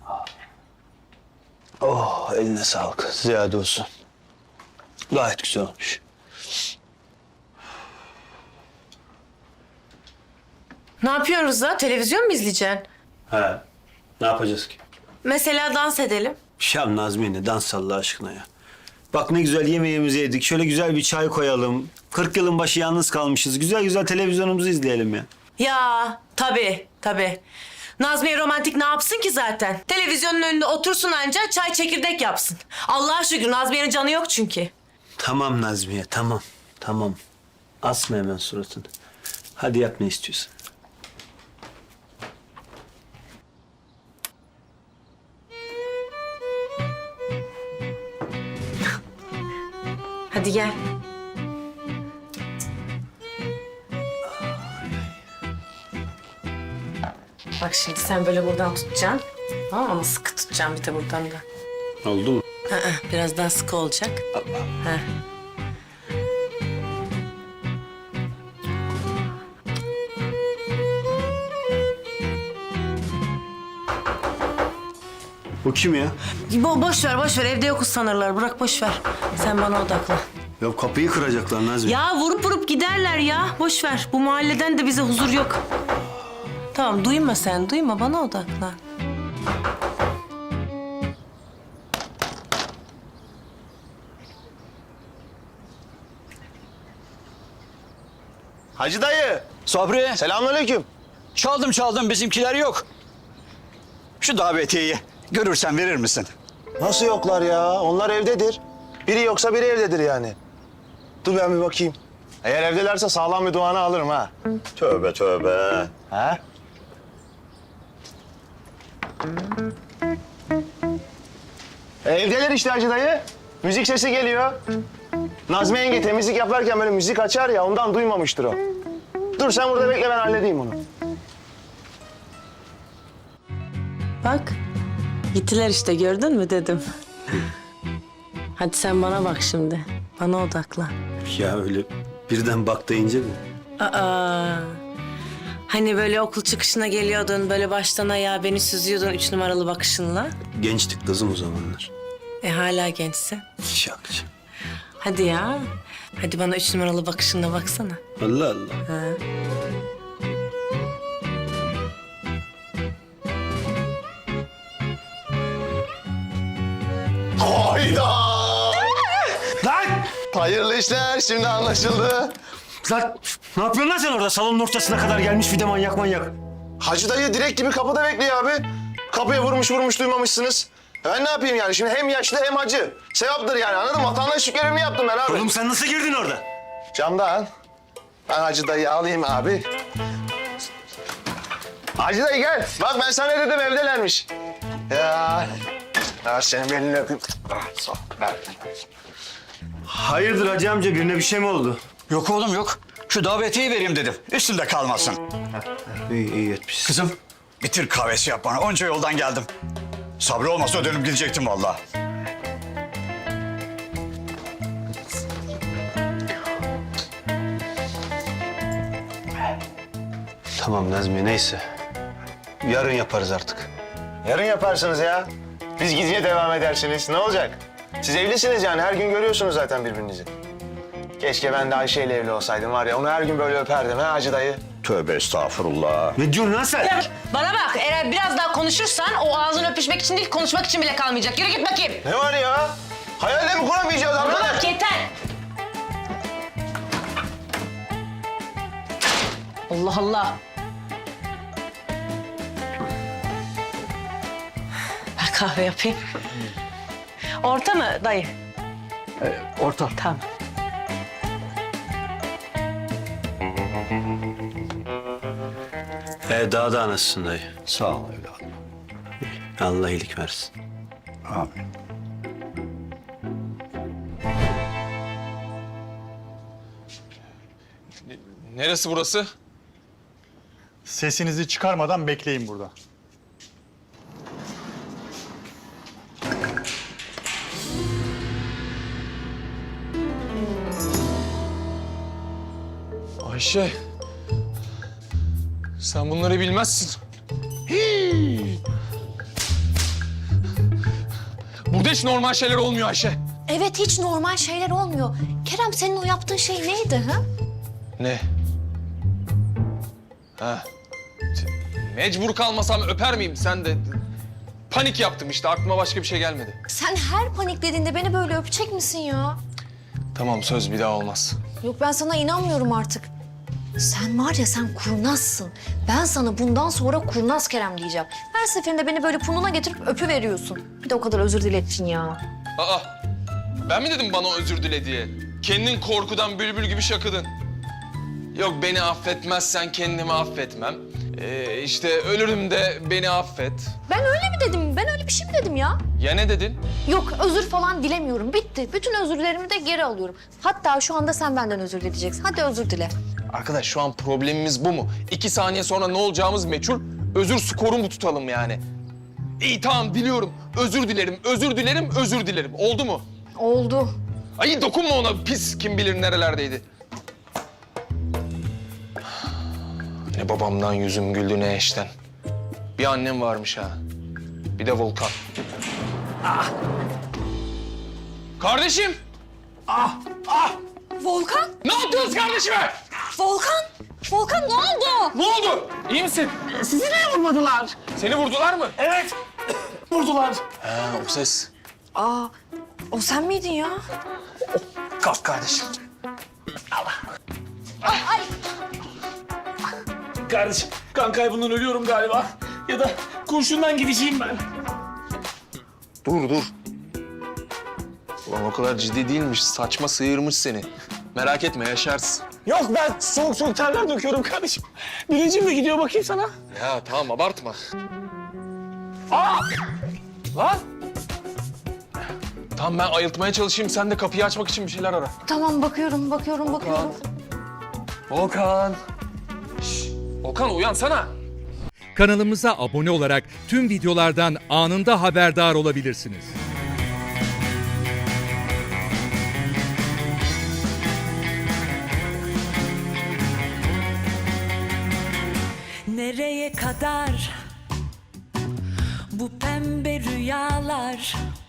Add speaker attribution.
Speaker 1: Oh, eline sağlık. Ziyade olsun. Gayet güzel olmuş.
Speaker 2: Ne yapıyoruz da? Televizyon mu izleyeceksin?
Speaker 1: He. Ne yapacağız ki?
Speaker 2: Mesela dans edelim.
Speaker 1: Şam Nazmiye ne dans Allah aşkına ya. Bak ne güzel yemeğimizi yedik. Şöyle güzel bir çay koyalım. 40 yılın başı yalnız kalmışız. Güzel güzel televizyonumuzu izleyelim ya.
Speaker 2: Ya tabii. Nazmiye romantik ne yapsın ki zaten? Televizyonun önünde otursun anca çay çekirdek yapsın. Allah'a şükür Nazmiye'nin canı yok çünkü.
Speaker 1: Tamam Nazmiye, tamam. Tamam. Asma hemen suratını. Hadi yap ne istiyorsan.
Speaker 2: Hadi gel. Bak şimdi sen böyle buradan tutacaksın. Tamam mı? Ama sıkı tutacaksın bir de buradan da.
Speaker 1: Oldu mu?
Speaker 2: Biraz daha sıkı olacak. Ha.
Speaker 1: Bu kim ya?
Speaker 2: Boş ver evde yokuz sanırlar. Bırak boş ver. Sen bana odaklan.
Speaker 1: Ya kapıyı kıracaklar Nazmiye.
Speaker 2: Ya vurup giderler ya. Boş ver. Bu mahalleden de bize huzur yok. Tamam duyma sen. Duyma bana odaklan.
Speaker 3: Hacı dayı.
Speaker 4: Sabri,
Speaker 3: Selamünaleyküm.
Speaker 4: çaldım bizimkiler yok. Şu davetiyeyi görürsen verir misin?
Speaker 3: Nasıl yoklar ya? Onlar evdedir. Biri yoksa biri evdedir yani. Dur ben bir bakayım. Eğer evdelerse sağlam bir duanı alırım ha. Tövbe tövbe. Ha? Evdeler işte Hacı dayı. Müzik sesi geliyor. Nazmi yenge temizlik yaparken böyle müzik açar ya ondan duymamıştır o. Dur sen burada bekle ben halledeyim onu.
Speaker 2: Bak. Gittiler işte gördün mü dedim. Hadi sen bana bak şimdi. Bana odaklan.
Speaker 1: Ya öyle birden bak deyince mi?
Speaker 2: Hani böyle okul çıkışına geliyordun, böyle baştan ayağa beni süzüyordun 3 numaralı bakışınla.
Speaker 1: Gençtik kızım o zamanlar.
Speaker 2: Hala gençsin.
Speaker 1: Şakçı.
Speaker 2: Hadi ya. Hadi bana 3 numaralı bakışınla baksana.
Speaker 1: Allah Allah.
Speaker 2: Ha.
Speaker 3: Hayda!
Speaker 1: Lan!
Speaker 3: Hayırlı işler şimdi anlaşıldı.
Speaker 1: Lan ne yapıyorsun lan sen orada? Salonun ortasına kadar gelmiş bir de manyak.
Speaker 3: Hacı dayı direkt gibi kapıda bekliyor abi. Kapıya vurmuş duymamışsınız. Ben ne yapayım yani şimdi hem yaşlı hem hacı. Sevaptır yani anladın mı? Vatandaşlık görevimi yaptım ben abi.
Speaker 1: Oğlum sen nasıl girdin orada?
Speaker 3: Camdan. Ben Hacı dayıyı alayım abi. Hacı dayı gel. Bak ben sana ne dedim evdelermiş. Ya. Ya senin elini öpeyim. Ah, sağ ol. Ver.
Speaker 1: Hayırdır hacı amca birine bir şey mi oldu?
Speaker 4: Yok oğlum yok. Şu davetiyeyi vereyim dedim. Üstünde kalmasın.
Speaker 1: İyi etmişsin.
Speaker 4: Kızım, bir Türk kahvesi yap bana. Onca yoldan geldim. Sabri olmasa dönüp gidecektim vallahi.
Speaker 1: Tamam Nazmiye neyse. Yarın yaparız artık.
Speaker 3: Yarın yaparsınız ya. Biz gizliye devam edersiniz. Ne olacak? Siz evlisiniz yani. Her gün görüyorsunuz zaten birbirinizi. Keşke ben de Ayşe ile evli olsaydım var ya. Onu her gün böyle öperdim ha Hacı dayı.
Speaker 4: Tövbe estağfurullah.
Speaker 1: Ne diyorsun lan sen?
Speaker 2: Bana bak eğer biraz daha konuşursan o ağzını öpüşmek için değil konuşmak için bile kalmayacak. Yürü git bakayım.
Speaker 3: Ne var ya? Hayalle mi kuramayacağız
Speaker 2: Bana
Speaker 3: arkadaş?
Speaker 2: bak yeter. Allah Allah. Ben kahve yapayım. Orta mı dayı?
Speaker 4: Orta.
Speaker 2: Tamam.
Speaker 1: Daha da anasısın dayı.
Speaker 4: Sağ ol evladım.
Speaker 1: Allah iyilik versin.
Speaker 4: Amin.
Speaker 5: Neresi burası?
Speaker 6: Sesinizi çıkarmadan bekleyin burada.
Speaker 5: Ayşe. Sen bunları bilmezsin. Burada hiç normal şeyler olmuyor Ayşe.
Speaker 7: Evet, hiç normal şeyler olmuyor. Kerem, senin o yaptığın şey neydi ha?
Speaker 5: Ne? Ha. Mecbur kalmasam öper miyim? Sen de panik yaptım işte. Aklıma başka bir şey gelmedi.
Speaker 7: Sen her paniklediğinde beni böyle öpecek misin ya?
Speaker 5: Tamam, söz bir daha olmaz.
Speaker 7: Yok, ben sana inanmıyorum artık. Sen var ya, sen kurnazsın. Ben sana bundan sonra kurnaz Kerem diyeceğim. Her seferinde beni böyle burnuna getirip öpüveriyorsun. Bir de o kadar özür dilettin ya.
Speaker 5: Aa, ben mi dedim bana özür dile diye? Kendin korkudan bülbül gibi şakıdın. Yok, beni affetmezsen kendimi affetmem. İşte ölürüm de beni affet.
Speaker 7: Ben öyle mi dedim? Ben öyle bir şey mi dedim ya?
Speaker 5: Ya ne dedin?
Speaker 7: Yok, özür falan dilemiyorum. Bitti. Bütün özürlerimi de geri alıyorum. Hatta şu anda sen benden özür dileyeceksin. Hadi özür dile.
Speaker 5: Arkadaş, şu an problemimiz bu mu? 2 saniye sonra ne olacağımız meçhul. Özür skoru mu tutalım yani? İyi, tamam, diliyorum. Özür dilerim, özür dilerim, özür dilerim. Oldu mu?
Speaker 7: Oldu.
Speaker 5: Ay dokunma ona, pis, kim bilir nerelerdeydi. Ne babamdan yüzüm güldü ne eşten. Bir annem varmış ha. Bir de Volkan. Kardeşim!
Speaker 7: Volkan!
Speaker 5: Ne yaptınız kardeşime?
Speaker 7: Volkan! Volkan, ne oldu?
Speaker 5: Ne oldu? İyi misin?
Speaker 8: Sizi de vurmadılar.
Speaker 5: Seni vurdular mı?
Speaker 8: Evet. Vurdular.
Speaker 5: Ha, o ses.
Speaker 7: Aa, o sen miydin ya?
Speaker 8: Kalk kardeşim.
Speaker 7: Ay!
Speaker 8: Kardeşim kan kaybından ölüyorum galiba. Ya da kurşundan gideceğim ben.
Speaker 5: Dur. Ulan o kadar ciddi değilmiş. Saçma sıyırmış seni. Merak etme, yaşarsın.
Speaker 8: Yok, ben soğuk terler döküyorum kardeşim. Bilincim de gidiyor, bakayım sana.
Speaker 5: Ya tamam, abartma.
Speaker 8: Lan.
Speaker 5: Tamam, ben ayıltmaya çalışayım. Sen de kapıyı açmak için bir şeyler ara.
Speaker 7: Tamam, bakıyorum.
Speaker 5: Volkan. Volkan, uyansana.
Speaker 9: Kanalımıza abone olarak tüm videolardan anında haberdar olabilirsiniz.
Speaker 10: Nereye kadar bu pembe rüyalar?